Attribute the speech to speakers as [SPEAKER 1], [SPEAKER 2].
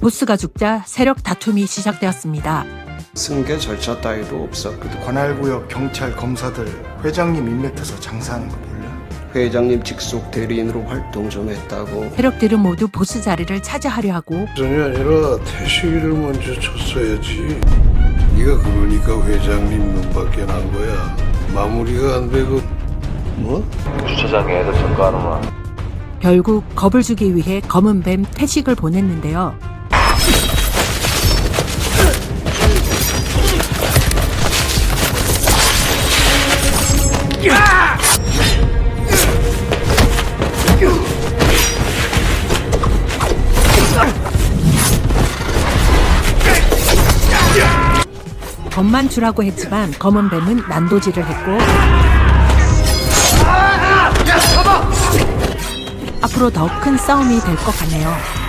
[SPEAKER 1] 보스가 죽자 세력 다툼이 시작되었습니다.
[SPEAKER 2] 승계 절차 따위도 없었거든.
[SPEAKER 3] 관할구역 경찰 검사들 회장님 인맥해서 장사하는 거 몰라?
[SPEAKER 2] 회장님 직속 대리인으로 활동 좀 했다고.
[SPEAKER 1] 세력들은 모두 보스 자리를 차지하려 하고
[SPEAKER 4] 전이 아니라 태식이를 먼저 쳤어야지. 네가 그러니까 회장님 눈밖에 난 거야. 마무리가 안 되고 뭐?
[SPEAKER 5] 주차장에 애들 점거하는구나.
[SPEAKER 1] 결국 겁을 주기 위해 검은 뱀 태식을 보냈는데요. 겁만 주라고 했지만 검은 뱀은 난도질을 했고 앞으로 더 큰 싸움이 될 것 같네요.